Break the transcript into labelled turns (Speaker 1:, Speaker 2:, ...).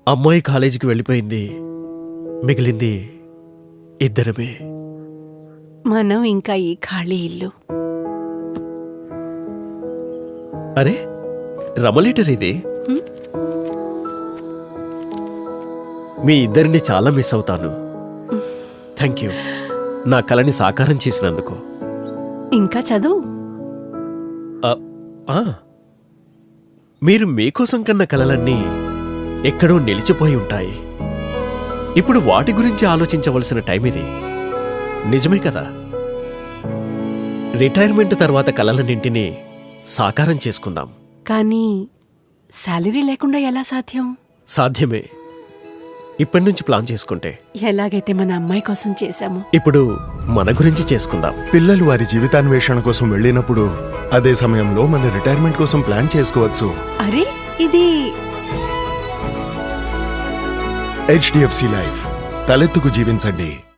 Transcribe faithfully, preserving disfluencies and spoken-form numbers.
Speaker 1: అమ్మాయి కాలేజీకి వెళ్ళిపోయింది, మిగిలింది ఇద్దరమే.
Speaker 2: మనం ఇంకా ఈ ఖాళీ ఇల్లు.
Speaker 1: అరే రమలీటర్ ఇది. మీ ఇద్దరిని చాలా మిస్ అవుతాను. థ్యాంక్ యూ నా కలని సాకారం చేసినందుకు.
Speaker 2: ఇంకా చదువు.
Speaker 1: ఆ, ఆ. మీరు మీకోసం కన్న కలలన్నీ ఎక్కడో నిలిచిపోయి ఉంటాయి. ఇప్పుడు వాటి గురించి ఆలోచించవలసిన టైం ఇది. నిజమే కదా? రిటైర్మెంట్ తర్వాత కలలన్నింటినీ సాకారం చేసుకుందాం.
Speaker 2: కానీ శాలరీ లేకుండా ఎలా సాధ్యం?
Speaker 1: సాధ్యమే, ఇప్పటి నుంచి ప్లాన్ చేసుకుంటే.
Speaker 2: ఎలాగైతే మన అమ్మాయి కోసం చేశాము,
Speaker 1: ఇప్పుడు మన గురించి చేసుకుందాం.
Speaker 3: పిల్లలు వారి జీవితాన్వేషణ కోసం వెళ్ళినప్పుడు అదే సమయంలో మన రిటైర్మెంట్ కోసం ప్లాన్ చేసుకోవచ్చు.
Speaker 2: అరే ఇది
Speaker 3: హెచ్డిఎఫ్సి లైఫ్, తలెత్తుకు జీవించండి.